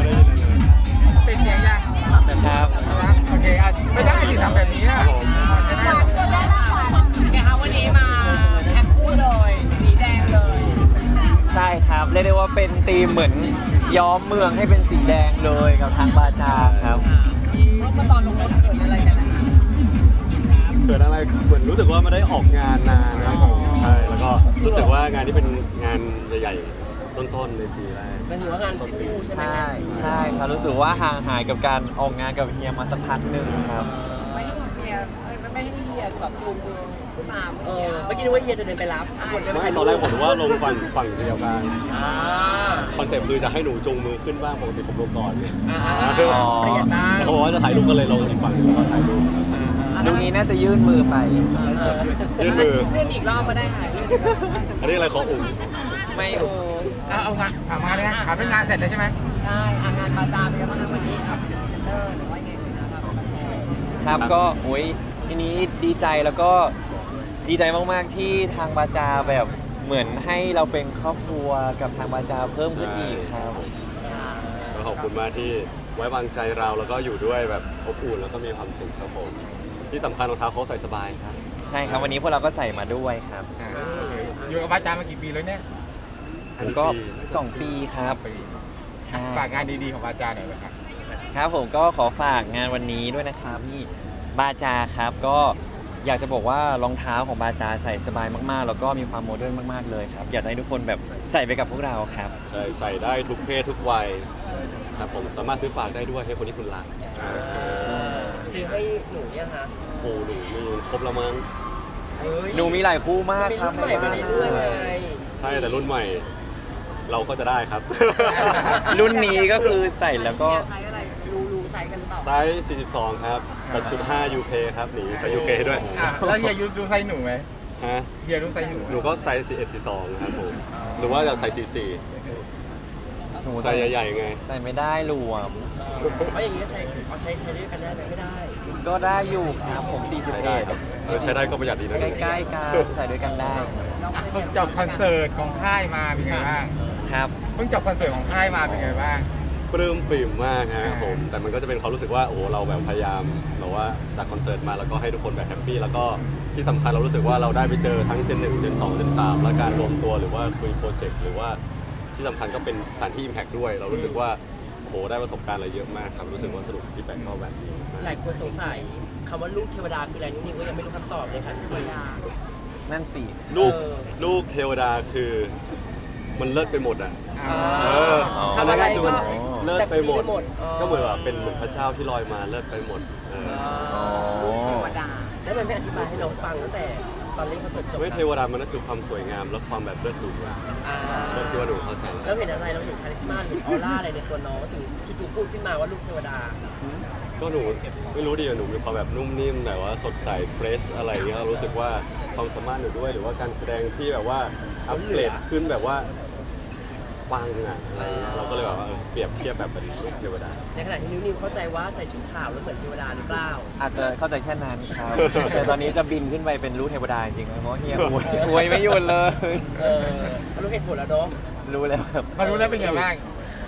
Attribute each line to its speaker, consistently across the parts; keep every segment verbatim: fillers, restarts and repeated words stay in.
Speaker 1: ได้ยินเลย
Speaker 2: เป็นเสียงยัง
Speaker 3: ครับ
Speaker 2: โอเคอ่ะไม่ได้สิทำแบบนี้อ่ะ
Speaker 4: สามตัวได้มากกว่าไงคะวันนี้มาแพ็คคู่เลยสีแดงเลย
Speaker 3: ใช่ครับเรียกได้ว่าเป็นธีมเหมือนย้อมเมืองให้เป็นสีแดงเลยกับทางบาจาครับ
Speaker 4: เมื่อตอนลงรถเกิดอะไรกันนะคะ
Speaker 1: เกิดอะไรเหมือนรู้สึกว่าไม่ได้ออกงานนานนะครับผมใช่แล้วก็รู้สึกว่างานนี้เป็นงานใหญ่ๆต้นๆในปีแรก
Speaker 4: เป็นหัวงานคู่ใช่ไหม
Speaker 3: ใช่ใช่ครับรู้สึกว่าห่างหายกับการออกงานกับเฮียมาสักพักหนึ่งครับ
Speaker 4: ไม่ให้เฮียเอ้ยไม่ให้เฮียแบบจูงมือตาม
Speaker 5: เออเมื่อกี้นึกว่าเฮียจะเดินไปรับคนจะ
Speaker 1: ไม่ตอนแรกผมว่าลงฝั่งฝั่งเดียวกัน
Speaker 5: อ่า
Speaker 1: คอนเซ็ปต์คือจะให้หนูจูงมือขึ้นบ้างปกติผมลงก่อน
Speaker 5: อ่า
Speaker 3: อ๋อ
Speaker 5: เปลี่ยนบ้าง
Speaker 1: เขาบอกว่าจะถ่ายรูปก็เลยลงอีกฝั่งหนึงแล้วก็ถ่ายรูป
Speaker 3: ตรงนี้น่าจะยื่นมือไป
Speaker 1: ยื่นมือ
Speaker 4: เลื่อนอีกรอบมาได้ค่ะ
Speaker 1: อันนี้อะไรขออุ่ม
Speaker 3: ไม่โอ้
Speaker 2: เอาเอางานถามมาเลยนะถามเป็นงานเสร็จแล้วใช่ไหม
Speaker 4: ใช่งานบาจาเป็นยังไงบ้างวันนี้ครับเซ็นเตอร์หรือว่ายังไงนะครับมาแชร์
Speaker 3: ครับก็โอ้ยทีนี้ดีใจแล้วก็ดีใจมากๆที่ทางบาจาแบบเหมือนให้เราเป็นครอบครัวกับทางบาจาเพิ่มขึ้นอีกครับ
Speaker 1: ก็ขอบคุณมากที่ไว้วางใจเราแล้วก็อยู่ด้วยแบบอบอุ่นแล้วก็มีความสุขครับผมที่สำคัญรองเท้าเขาใส่สบายครับ
Speaker 3: ใช่ครับวันนี้พวกเราก็ใส่มาด้วยครับ
Speaker 2: อ่าโอเคอยู่กับอาจารย์มากี่ปีแล้วเนี่ย
Speaker 3: ผมก็สองปีครับ
Speaker 2: ปี
Speaker 3: ใช่
Speaker 2: ฝากงานดีๆของอาจารย์หน่อยนะครับ
Speaker 3: ครับผมก็ขอฝากงานวันนี้ด้วยนะครับที่บาจาครับก็อยากจะบอกว่ารองเท้าของบาจาใส่สบายมากๆ แล้วก็มีความโมเดิร์นมากๆเลยครับอยากจะให้ทุกคนแบบใส่ไปกับพวกเราครับ
Speaker 1: ใช่ใส่ได้ทุกเพศทุกวัยครับผมสามารถซื้อฝากได้ด้วยให้คนที่คุณรัก
Speaker 5: ซื้อให้หนูเนี่ยฮะ
Speaker 1: โอ้หนูมีครบแล้วมั้ง
Speaker 5: เฮ้ย
Speaker 3: หนูมีหลายคู่มาก
Speaker 5: มี
Speaker 3: ครั
Speaker 5: รุ่
Speaker 3: บ
Speaker 5: นใหม่มาเรื่อยๆไง
Speaker 1: ใช่แต่รุ่นใหม่ เราก็จะได้ครับ
Speaker 3: รุ่นนี้ก็คือใส่แล้วก็
Speaker 4: ไซส์อะไรรู้รู้ไซส์กันเปล่า
Speaker 1: ไซส์ สี่สิบสอง ครับ แปดจุดห้า ยู เค ครับหนีไซส์ ยู เค ด้วย
Speaker 2: อ่ะแล้วเฮียดูไซส์หนูไหม
Speaker 1: ฮะ
Speaker 2: เฮียดูไซส์หนู
Speaker 1: หนูก็ไซส์ สี่สิบเอ็ด สี่สิบสอง ครับผม หรือว่าจะใส่ สี่สิบสี่
Speaker 3: หนู
Speaker 1: ไซส์ใหญ่ๆไง
Speaker 3: ใส่ไม่ได้หลวม
Speaker 5: เพราะอย่างนี้ใช้เอาใช้ใช้ด้วยกันได้ไหมไม่ได้
Speaker 3: ก็ได้อยู่ครับผมสี่สิบ
Speaker 1: ใช้
Speaker 3: เอ็
Speaker 1: ได้
Speaker 3: ด
Speaker 1: ครับเออใช้ได้ก็ประหยัดดีนะ
Speaker 3: ใกล้ๆกันใส่ด้วยกันได้
Speaker 2: อ่ะเพิ่งจบคอนเสิร์ตของค่ายมาเป็นไงบ้าง
Speaker 3: ครับ
Speaker 2: เพิ่งจบคอนเสิร์ตของค่ายมาเป็นไงบ้าง
Speaker 1: ปลื้มปริ่มมากฮะผม แต่มันก็จะเป็นความรู้สึกว่าโอ้โหเราแบบพยายามแบบว่าจากคอนเสิร์ตมาแล้วก็ให้ทุกคนแบบแฮปปี้แล้วก็ที่สำคัญเรารู้สึกว่าเราได้ไปเจอทั้งเจนหนึ่งเจนสองเจนสามและการรวมตัวหรือว่าคุยโปรเจกต์หรือว่าที่สำคัญก็เป็นสถานที่ Impact ด้วย เรารู้สึกว่าโอ้โหได้ประสบการณ์อะไรเยอะมากครับรู้สึกว่าสนุกที่แบกก็แบบนี้
Speaker 5: หลายคนสงสัยคำว่าลูกเทวดาคืออะไรนิดนึงก็ยังไม่รู้คำตอบเลยค่ะพี่ซี
Speaker 3: นั่นสิ
Speaker 1: ลูก
Speaker 5: เออ
Speaker 1: ลูกเทวดาคือมันเลิศไปหมดอ่ะ
Speaker 2: อ่า
Speaker 1: เออ
Speaker 5: ทำอะไรก็
Speaker 1: มันเลิศไปหมด
Speaker 5: แบบดีไปหมดอ๋อ
Speaker 1: ก็เหมือนว่าเป็นเหมือนพระเจ้าที่ลอยมาเลิศไปหมดเออ
Speaker 3: อ๋อ
Speaker 4: ธรรมดา
Speaker 5: แล้วมันไม่อธิบายให้น้องฟังตั้งแต่ตอนเล่นคอนเสิร์ตจบ
Speaker 1: ไม่เทวดามันก็คือความสวยงามและความแบบเลิศหรูอะ
Speaker 5: อ่า
Speaker 1: ก็คิดว่าหนูเข้าใจ
Speaker 5: แล้วเห็นอะไรเราเห็นคาลิสมาหรือออร่าอะไรในตัวน้องถึงจู่ๆพูดขึ้นมาว่าลูกเทวดา
Speaker 1: ก็หนูไม่รู้ดิหนูมีความแบบนุ่มนิ่มแบบว่าสดใสเฟรชอะไรเงี้ยรู้สึกว่าความสามารถหนูด้วยหรือว่าการแสดงที่แบบว่าอัปเกรดขึ้นแบบว่าปังอ่ะอะไรเงี้ยเราก็เลยแบบว่าเออเปรียบเทียบแบบเป็นลูกเทวดา
Speaker 5: ในขณะที่นิวนิวเข้าใจว่าใส่ชุดขาวแล้วเหมือนเทวดาหรือเปล่า
Speaker 3: อาจจะเข้าใจแค่นั้นครับ แต่ตอนนี้จะบินขึ้นไปเป็นลูกเทวดาจริงๆเพราะเฮียอวยอวยไม่หยุดเลย
Speaker 5: เออรู้เหตุผลแล้วเนาะ
Speaker 3: รู้แล้วครับ
Speaker 2: มารู้แล้วเป็นไงบ้าง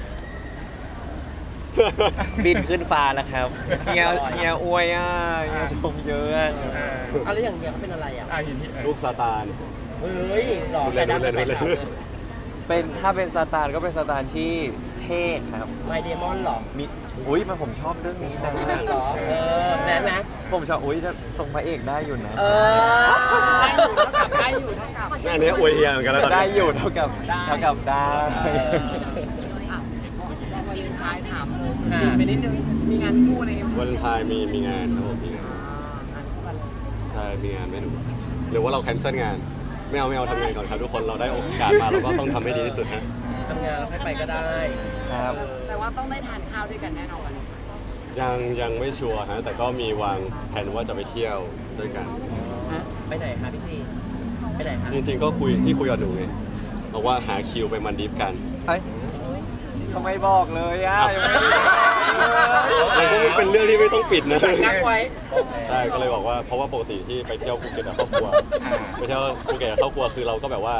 Speaker 3: บินขึ้นฟ้าแล้วครับเฮียเฮียอวยอ่ะเฮียชมเยอะอะ
Speaker 2: เออ
Speaker 5: เอาแล้วอย่างเนี้ยเขาเป็นอะไรอ่ะ
Speaker 2: อ่ะเห็นที่เออ
Speaker 1: ลูกซาตาน
Speaker 5: เฮ้ยหล่อใส่ดำกับใส่ขาวเลย
Speaker 3: เป็นถ้าเป็นซาตานก็เป็นซาตานที่เท่ครับ
Speaker 5: ไมเดมอนหรอ
Speaker 3: มีอุ้ยมันผมชอบเรื่องนี้นะ
Speaker 5: หรอเออแน่นะ
Speaker 3: ผมชอบอุ้ยจะทรงพระเอกได้อยู่นะ
Speaker 5: เออ
Speaker 4: ได้อยู่เท่ากับได้อยู่เท่ากับ
Speaker 1: อันนี้อวยเฮียเหมือนกันแล้วตอน
Speaker 3: ได้
Speaker 1: นี้
Speaker 3: อยู่เท่ากับเท่ากับได้
Speaker 4: อ่ะวันเลนไทน์ถามบินไปนิดนึงมีงานคู่ใน
Speaker 1: วันเลนไทายมีมีงานครับผมมีงาน
Speaker 4: งานคู่กันเลย
Speaker 1: ใช่มีงานไม่หนูหรือว่าเราแคนเซิลงานไม่เอาไม่เอาทำงานก่อนครับทุกคนเราได้โอกาสมาเราก็ต้องทำให้ดีที่สุดฮะ
Speaker 5: ทำงานแล้วให้ไปก็ได้
Speaker 3: ครับ
Speaker 4: แต่ว่าต้องได้ทานข้าวด้วยกันแน่นอน
Speaker 1: ยังยังไม่ชัวร์ฮะแต่ก็มีวางแผนว่าจะไปเที่ยวด้วยกัน
Speaker 5: ไปไหนคะพี่ซีไปไหนคะ
Speaker 1: จริงๆก็คุยที่คุยกับหนูไงบอกว่าหาคิวไปมันดิฟกัน
Speaker 3: เอ้ยทำไมบอกเลยอ่ะยังไม่ได้บอกเลย
Speaker 1: มันก็เป็นเรื่องที่ไม่ต้องปิดนะ
Speaker 5: นักไว้
Speaker 1: ใช่ก็เลยบอกว่าเพราะว่าปกติที่ไปเที่ยวภูเก็ตกับครอบครัวไปเที่ยวภูเก็ตกับครอบครัวคือเราก็แบบว่า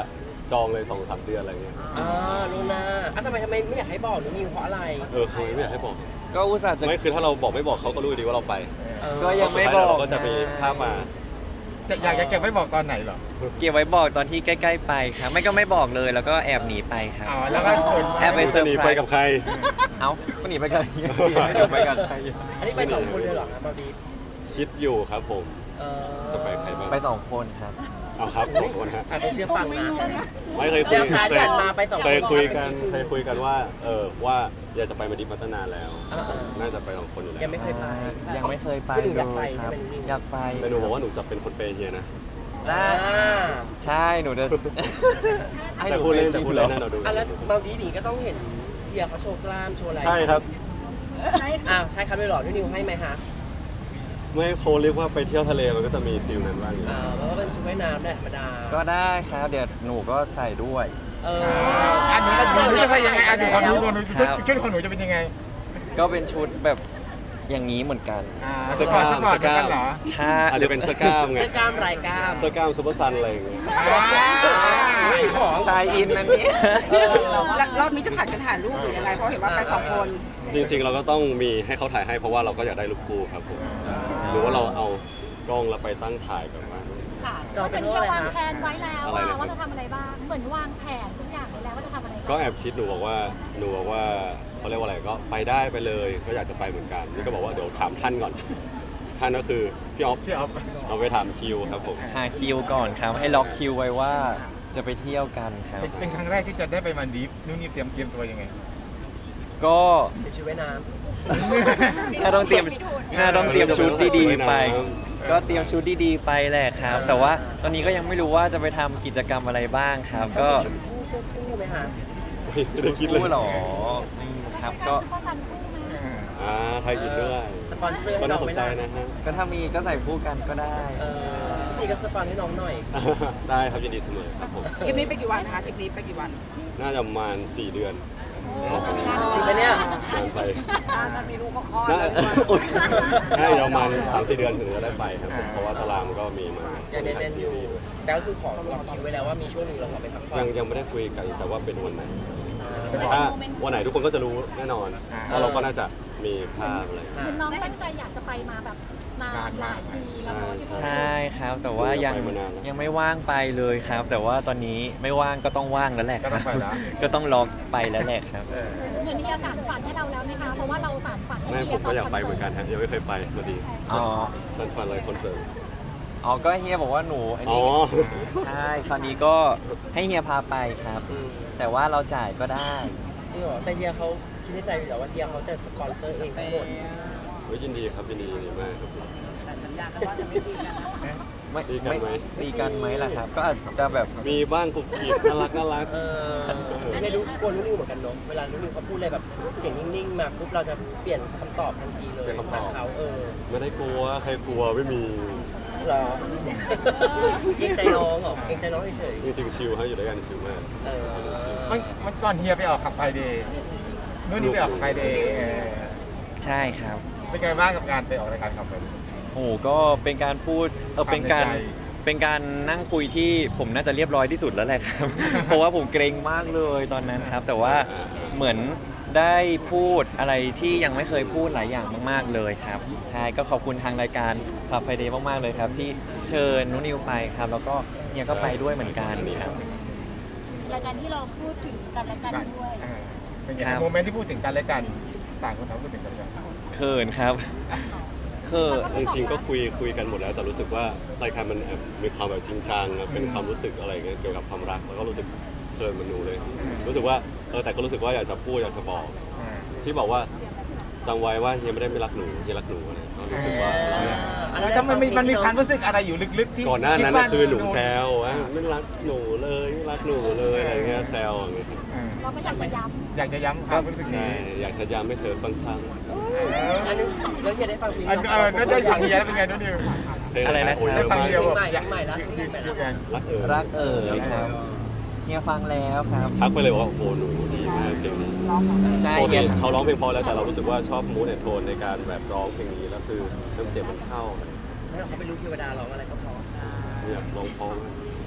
Speaker 1: จองเลยสองสามเดือนอะไรเงี้ย
Speaker 5: อ่าลูน่าอ่ะทำไมทำไมไม่อยากให้บอกหนูนิวเพราะอะไร
Speaker 1: เออทำไมไม่อยากให้บอก
Speaker 3: ก็อุตส่าห์จะ
Speaker 1: ไม่คือถ้าเราบอกไม่บอกเขาก็รู้ดีว่าเราไป
Speaker 5: เออ
Speaker 3: ก็ยังไม่บอก
Speaker 1: เราก็จะมีภาพมา
Speaker 2: จะอยากจะเก็บไว้บอกตอนไหนเหรอ
Speaker 3: เก็บไว้บอกตอนที่ใกล้ๆไปครับ ไม่ก็ไม่บอกเลยแล้วก็แอบหนีไปครับ
Speaker 2: อ๋อแล้วก็คน
Speaker 3: แอบไป
Speaker 1: จะหนีไปกับใคร
Speaker 3: เอ้าก็หนีไปกับเฮียสิไม่ได้ไปกับใคร
Speaker 5: อันนี้ไปสองคนเลยเหรอครับมาดีฟ
Speaker 1: คิดอยู่ครับผม
Speaker 5: เออ
Speaker 1: จะไปใครบ้าง
Speaker 3: ไปสองคนครับ
Speaker 1: เอาครับสองคนฮะ
Speaker 5: อาจจะเชื่อฟังนะ
Speaker 1: ไม่เคยคุย
Speaker 5: แล้วการ
Speaker 1: เคย
Speaker 5: จัดมาไปสองคน
Speaker 1: เคยคุยกันเคยคุยกันว่า เออว่าอยากจะไปมาดิฟมาตั้งนานแล้ว
Speaker 5: อ่า
Speaker 1: น่าจะไปสองคนอยู่แล้ว
Speaker 5: ยังไม่เคยไป
Speaker 3: ยังไม่เคยไป
Speaker 5: คือหนู
Speaker 3: เล
Speaker 5: อยากไป
Speaker 3: ยครับ
Speaker 5: ใช่ไหม
Speaker 3: อยากไป
Speaker 1: แต่หนูบอกว่าหนูจะเป็นคนเปย์เฮียนะ
Speaker 3: ได้
Speaker 5: อ่า
Speaker 3: ใช่หนูจะให้ห
Speaker 1: แต่
Speaker 3: นู
Speaker 1: พูดเล่น
Speaker 3: จ
Speaker 1: แต่
Speaker 3: ริง
Speaker 1: พูด
Speaker 3: เหร
Speaker 1: เล่
Speaker 3: อน
Speaker 1: นะเราดู
Speaker 5: อ่ะแล้วมาดีฟนี่ก็ต้องเห็นเฮียเขาโชว์กล้ามโชว์อะไร
Speaker 1: ใช่ครับ
Speaker 5: อ้าวใช่ครับด้วยเหรอนิวนิวให้ไหมคะ
Speaker 1: ไม่โคเรียกว่าไปเที่ยวทะเลมันก็จะมีฟิลนั้นบ้างอยู่
Speaker 5: อ่าแล้วก็เป็นชุดว่ายน้ำแหละธรรมดา
Speaker 3: ก็ได้ครับเดี๋ยวหนูก็ใส่ด้วย
Speaker 5: เออ
Speaker 2: อันนี้
Speaker 5: ก็
Speaker 2: ห
Speaker 5: เชื่อ
Speaker 2: นู
Speaker 5: เลย
Speaker 2: จะไปยังไงอันนี้ของหนูของหนู
Speaker 3: ครับ
Speaker 2: ชุดของหนูจะเป็นยังไง
Speaker 3: ก็เป็นชุดแบบอย่างนี้เหมือนกัน
Speaker 2: อ่าสปอร์ตสปอร์ตเหมือนกันเหรอ
Speaker 3: ใช่
Speaker 1: อาจจะเป็นเสื้อกล้ามไง
Speaker 5: เสื้อกล้ามลายกล้าม
Speaker 1: เสื้อกล้ามซูเปอร์ซันอะไรอย่างเงี้ย
Speaker 2: อ่า
Speaker 5: ของ
Speaker 3: ชายอินนั่นนี่
Speaker 5: เออ
Speaker 6: แล้วรอบนี้จะผัดกันถ่ายรูปหรือยังไง เพราะเห็นว่าไปสองคน
Speaker 1: จริงๆ เราก็ต้องมีให้เขาถ่ายให้เพราะว่าเราก็อยากได้รูปคู่ครับผมหรือว่าเราเอากล้องแล้วไปตั้งถ่ายแบบว่า
Speaker 7: ค่ะ
Speaker 5: จองเป็
Speaker 7: เป็น น
Speaker 5: เท่าไหร่
Speaker 7: วาง
Speaker 5: คะ
Speaker 7: แผนไว้แล้ว
Speaker 1: อะไร
Speaker 7: ว่า
Speaker 1: นะครับ
Speaker 7: ว่าจะทำอะไรบ้าง เหมือนวางแผนทุกอย่างไว้แล้วว่าจะทำอะไร
Speaker 1: ก็
Speaker 7: บ้าง
Speaker 1: แอบคิดหนูบอกว่าหนูบอกว่าเขาเรียกว่าอะไรก็ไปได้ไปเลยก็อยากจะไปเหมือนกันนี่ก็บอกว่าเดี๋ยวถามท่านก่อนท่านก็คือพี่ออฟ
Speaker 2: พี่เอา
Speaker 1: เอาไปถามคิวครับผม
Speaker 3: หาคิวก่อนครับ ให้ล็อกคิวไว้ว่าจะไปเที่ยวกันครับ
Speaker 2: เป็นเป็นครั้งแรกที่จะได้ไปมันดีฟนุ่นนี่เตรียมเตรียมตัวยังไง
Speaker 3: ก็
Speaker 5: เป็นชุดว่ายน้
Speaker 3: น่าต้องเตรียมน่าต้องเตรียมชุดดีๆไป ก็เตรียมชุดดีๆไปแหละครับ แต่ว่าตอนนี้ก็ยังไม่รู้ว่าจะไปทำกิจกรรมอะไรบ้างครับ
Speaker 5: ำ
Speaker 3: ก็
Speaker 5: ชุดคู่เสื้อคู่ไหมคะ
Speaker 1: ไม่ได้คิดเลย
Speaker 3: คู่หรออืมครับก็
Speaker 7: ซุปเปอร์ซันคู่ไหม
Speaker 1: อ่าไทยอินด้วย
Speaker 5: สปอนเซอร์
Speaker 1: ก็
Speaker 5: ให้น้
Speaker 1: น่า
Speaker 5: อง
Speaker 1: ส
Speaker 5: ไห
Speaker 1: น
Speaker 5: ม
Speaker 1: ใจ
Speaker 5: ล่ะ
Speaker 1: นะฮะ
Speaker 3: ก็ถ้ามีก็ใส่คู่กันก็ได้
Speaker 5: เออพี่ก็สปอนให้น้องหน่อย
Speaker 1: ได้ครับยินดีเสมอครับผม
Speaker 6: ทริปนี้ไปกี่วันคะทริปนี้ไปกี่วัน
Speaker 1: น่าจะประมาณสี่เดือน
Speaker 5: จริงปะเนี่ย
Speaker 1: นานไป
Speaker 4: ถ้ามีลูกก็คลอด
Speaker 1: น่า
Speaker 4: เลย
Speaker 1: อุ๊ยน่าจะประมาณสามสี่เดือนถึงจะได้ไปครับผมเพราะว่าตารางมันก็มีมา
Speaker 5: ยังแน่นๆอยู่แต่ก็คือขอล็อกคิวไว้แล้วว่ามีช่วงหนึ่งเราขอไปพักผ่อ
Speaker 1: ยั
Speaker 5: น
Speaker 1: งยังไม่ได้คุยกันแต่ว่าเป็นวันไหนแต่ถ้าวันไหนทุกคนก็จะรู้แน่นอนเพราะเราก็น่าจะมีภาพอะไร
Speaker 7: เหมือนน้องตั้งใจอยากจะไปมาแบบนานหลายปีแล้วเนาะที่
Speaker 3: ใช่ครับ แต่ว่ายัง
Speaker 1: ไปมานานแล้ว
Speaker 3: ยังไม่ว่างไปเลยครับ แต่ว่าตอนนี้ไม่ว่างก็ต้องว่างแล้วแหละค
Speaker 2: ก็
Speaker 3: รั
Speaker 2: ต้อบ งไปแล้ว
Speaker 3: ก็ต้องล็อกไปแล้วแหละครับ
Speaker 2: เออ
Speaker 7: เหมือนเฮียสารฝันให้เราแล้วไหมคะ เพราะว่าเราสารฝันให้
Speaker 1: ไม่
Speaker 7: เฮี
Speaker 1: ผ
Speaker 7: ย
Speaker 1: ม
Speaker 7: ต
Speaker 1: ก็
Speaker 7: อน
Speaker 1: อยาก
Speaker 7: คอน
Speaker 1: ไป
Speaker 7: เสิ
Speaker 1: เหมื
Speaker 7: ร์
Speaker 1: อน
Speaker 7: ต
Speaker 1: กันฮะยังไม่เคยไปพอดี
Speaker 3: อ๋อ
Speaker 1: ซันฟันอะไรคอนเสิร์ต
Speaker 3: อ๋อ ก็เฮียบอกว่าหนูอัน
Speaker 1: อ๋อ
Speaker 3: นี้ใช่ คราวนี้ก็ให้เฮียพาไปครับ
Speaker 5: อืม
Speaker 3: แต่ว่าเราจ่ายก็ได้
Speaker 5: จริงเหรอแต่เฮียเขาคิดในใจอยู่แล้วว่าเฮียเขาจะสปอนเซอร์เองทั้งหมด
Speaker 1: เฮ้ยยินดีครับยินดียินดีมากครับ
Speaker 4: แต่สัญญากันว่าจะไม่ตีกันนะ
Speaker 3: ไม่
Speaker 1: ตีกันไหม
Speaker 3: ตีกันไหมล่ะครับ ก็อาจจะแบบ
Speaker 1: มีบ้างกุบกิบน่ารักน่ารัก
Speaker 5: เออเฮียรู้กลัวรู้นิวเหมือนกันเนาะเวลารู้นิวเขาพูดอะไรแบบเสียงนิ่งๆมาปุ๊บเราจะเปลี่ยนคำตอบทันทีเลยตามเขาเออ
Speaker 1: ไม่ได้กลัวใครกลัวไม่มี
Speaker 5: เหรอเกรงใจน้องเหรอเกรงใจน้องเฉย
Speaker 1: จริงๆชิลฮะอยู่ด้วยกันชิลมาก
Speaker 5: ๆเออ
Speaker 2: มันมันก่อนเฮียไปออกขับไฟเดย์นุ่นนี่ไปออกไฟเดย์เออ
Speaker 3: ใช่ครับ
Speaker 2: เป็นไงบ้างกับการไปออกรายการขับไฟ
Speaker 3: โอ้โหก็เป็นการพูดเออเป็นการ
Speaker 2: ความในใจ
Speaker 3: เป็นการนั่งคุยที่ผมน่าจะเรียบร้อยที่สุดแล้วแหละครับ เพราะว่าผมเกรงมากเลยตอนนั้นครับ แต่ว่าเหมือนได้พูดอะไรที่ยังไม่เคยพูดหลายอย่างมากๆเลยครับ ใช่ก็ขอบคุณทางรายการคาเฟ่เดย์มากๆเลยครับ ที่เชิญนุนิวไปครับ แล้วก็เฮียก็ไปด้วยเหมือนกันครับ
Speaker 7: รายการที่เราพูดถึงกันและกันด้วย
Speaker 2: เออเป็นไง
Speaker 3: ครับ
Speaker 2: โมเมนต์ที่พูดถึงกันและกันต่างคนต่างพูดถึงกันและกัน
Speaker 3: เขินครับเขิน
Speaker 1: จริงๆก็คุยคุยกันหมดแล้วแต่รู้สึกว่ารายการมันแอบมีความแบบจริงจังเป็นความรู้สึกอะไรเงี้ยเกี่ยวกับความรักแล้วก็รู้สึกเคินมันหนูเลย รู้สึกว่าเออแต่ก็รู้สึกว่าอยากจะพูดอยากจะบอก
Speaker 2: อ่า
Speaker 1: ที่บอกว่าจำไว้ว่าเฮียไม่ได้ไม่รักหนูเฮียรักหนูอะไรก็รู้สึกว่าเราอยาก
Speaker 2: แล้วถ้ามันมีมันมีความรู้สึกอะไรอยู่ลึกๆที่
Speaker 1: ก่อนหน้านั้น
Speaker 2: ด
Speaker 1: น่ะ
Speaker 2: ว่า
Speaker 1: คือหนูแซวว่าไม่รักหนูเลยไม่รักหนูเลยอะไรเงี้ยแซวอย่างเงี้ย
Speaker 2: เออ
Speaker 7: เราก็อยากจะย้
Speaker 2: อยากจะย้ำความรู้สึก
Speaker 1: ใช่
Speaker 2: นี้
Speaker 1: อยากจะย้ำให้เธอฟังซ้
Speaker 5: อันนี้แล้วเฮียได้ฟังเพลง
Speaker 2: อันเออนั่นได้ฟังเฮียแล้วเป็นไงนุ่นนิว
Speaker 1: ำเพลง
Speaker 3: อะไรนะ
Speaker 1: โอ้ย
Speaker 3: ค
Speaker 1: เย
Speaker 3: รับ
Speaker 1: อะ
Speaker 2: ฟัง
Speaker 1: มาก
Speaker 2: เฮียบอก
Speaker 5: ใหม่
Speaker 2: อยาก
Speaker 5: ใหม่ล่าสุดใหม่ล่าสุด
Speaker 1: รักเออ
Speaker 3: รักเอ๋ยครับเฮียฟังแล้วครับ
Speaker 1: ทักไปเลยว่าโอ้โหหนูดีมากเพลงนี้
Speaker 3: ใช่
Speaker 1: ปก
Speaker 3: เฮี
Speaker 1: ติ
Speaker 3: ย
Speaker 1: เขาร้องเพลงเพอแล้วแต่เรารู้สึกว่าชอบมูดแอนโทนในการแบบร้องเพลงนี้แล้วคือน้ำเสียงมันเข้า
Speaker 5: ให้เขาไปรู้เทวดาร้องอะไรก็พอ
Speaker 1: เนี่ยร้องเพอมาก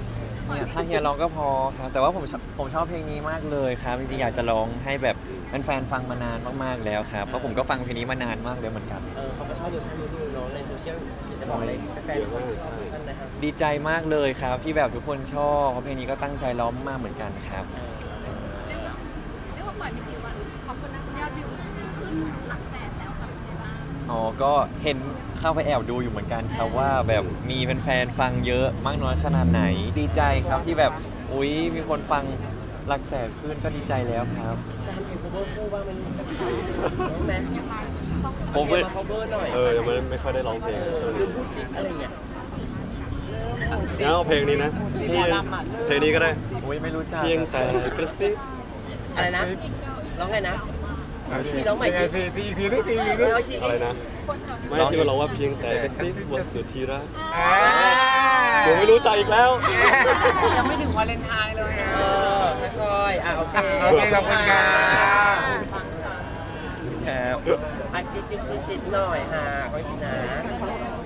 Speaker 3: เนี่ยถ้าเฮียร้องก็พอครับ แต่ว่าผมชอบผมชอบเพลงนี้มากเลยครับ จริงๆอยากจะร้องให้แบบแฟนๆฟังมานานมากๆแล้วครับ เพราะผมก็ฟังเพลงนี้มานานมากแล้วเหมือนกัน
Speaker 5: เออเขาก็ชอบเวอร์ชันนู้นๆเนาะในโซเชียลอยากจะบอกอะไรแฟนๆคนชอบเวอร์ชันนะครับ
Speaker 3: ดีใจมากเลยครับที่แบบทุกคนชอบเพราะเพลงนี้ก็ตั้งใจร้องมากเหมือนกันครับ
Speaker 7: เรียกว่าปล่อยไม่กี่วันขอบคุณนะยอดวิวขึ้นหลักแสนแล้วกับเทล่า
Speaker 3: อ๋อ ก็เห็นเข้าไปแอบดูอยู่เหมือนกันครับว่าแบบมีแฟนๆฟังเยอะมากน้อยขนาดไหน ดีใจครับที่แบบอุ๊ยมีคนฟังหลักแสนขึ้นก็ดีใจแล้วครับ
Speaker 5: จะทำเพลง cover คู่บ้างมันน้องแม่
Speaker 3: ผมก็
Speaker 5: มา cover หน่อย
Speaker 1: เออยังไม่ไม่ค่อยได้ร้องเพลง
Speaker 5: เออ
Speaker 1: ช่วง
Speaker 5: ลื
Speaker 1: นี้
Speaker 5: มพูดซิอะไรเงี้ย
Speaker 1: งั้นเอาเพลงนี้นะเพลงเพลงนี้ก็ได้
Speaker 3: อุ๊ยไม่รู้จัก
Speaker 1: เพียงแต่กระซิบ
Speaker 5: อะไรนะร้องไงนะ ซีร้องใหม่สิ
Speaker 2: ซีซีอีกทีนึงอีกทีนึง
Speaker 5: ร้องที
Speaker 1: อะไรนะ ไม่ที่มันร้องว่าเพียงแต่กระซิบว่าสุดที่รัก
Speaker 2: อ่า
Speaker 1: เดี๋ยวไม่รู้ใจอีกแล้ว
Speaker 4: ยังไม่ถึงวาเลนไทน์เลยอ่ะ
Speaker 5: เออค่อยๆอ่ะโอเค
Speaker 2: โอเคขอบคุณครับ
Speaker 3: ครับ
Speaker 5: อ่ะจิ๊ดจิ๊ดจิ๊ดจิ๊ดหน่อยฮะขอบคุณนะ